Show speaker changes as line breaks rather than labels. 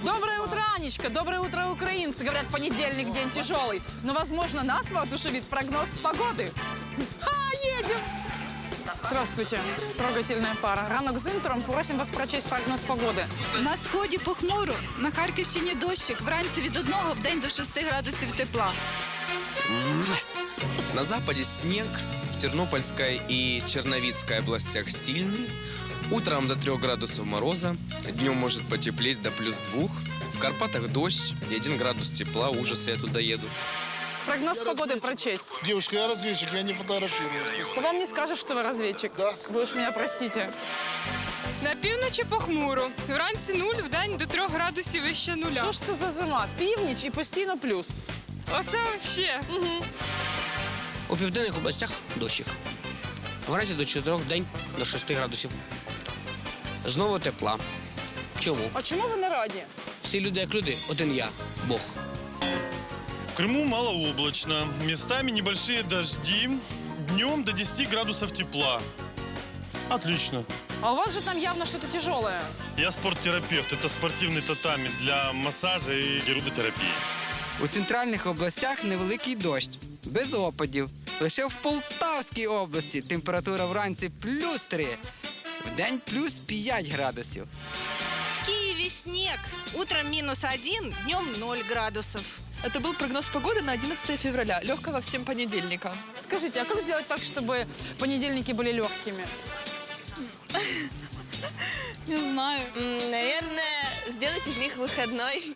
Доброе утро, Анечка. Доброе утро, украинцы. Говорят, понедельник день тяжелый. Но, возможно, нас воодушевит прогноз погоды. Едем! Здравствуйте, трогательная пара. Ранок з інтером, просим вас прочесть прогноз погоди.
На сході похмуро, на Харківщині дощик, вранці від 1, вдень до 6 градусів тепла.
На западе снег, в Тернопольской и Черновицкой областях сильный. Утром до 3 градусов мороза, днем может потеплеть до +2. В Карпатах дождь и 1 градус тепла. Ужас, я туда еду.
Прогноз погоды прочесть.
Девушка, я разведчик, я не фотографирую.
Кто вам не скажет, что вы разведчик?
Да.
Вы уж меня простите.
На півночі похмуро. Вранці 0, вдень до 3 градусів вище нуля.
Що ж це за зима? Північ і постійно плюс.
Оце ще.
У південних областях дощик. Вранці до 4, день до 6 градусів. Знову тепла. Чому?
А чому ви не раді?
Всі люди як люди, один я, Бог.
В Крыму малооблачно. Местами небольшие дожди. Днем до 10 градусов тепла. Отлично.
А у вас же там явно что-то тяжелое.
Я спорттерапевт. Это спортивный татами для массажа и герудотерапии.
У центральних областях невеликий дощ, без опадів. Лише в Полтавській області температура вранці +3, вдень +5 градусів.
В Киеве снег. Утром -1, днем 0 градусов.
Это был прогноз погоды на 11 февраля. Легкого всем понедельника.
Скажите, а как сделать так, чтобы понедельники были легкими?
Не знаю.
Наверное, сделать из них выходной.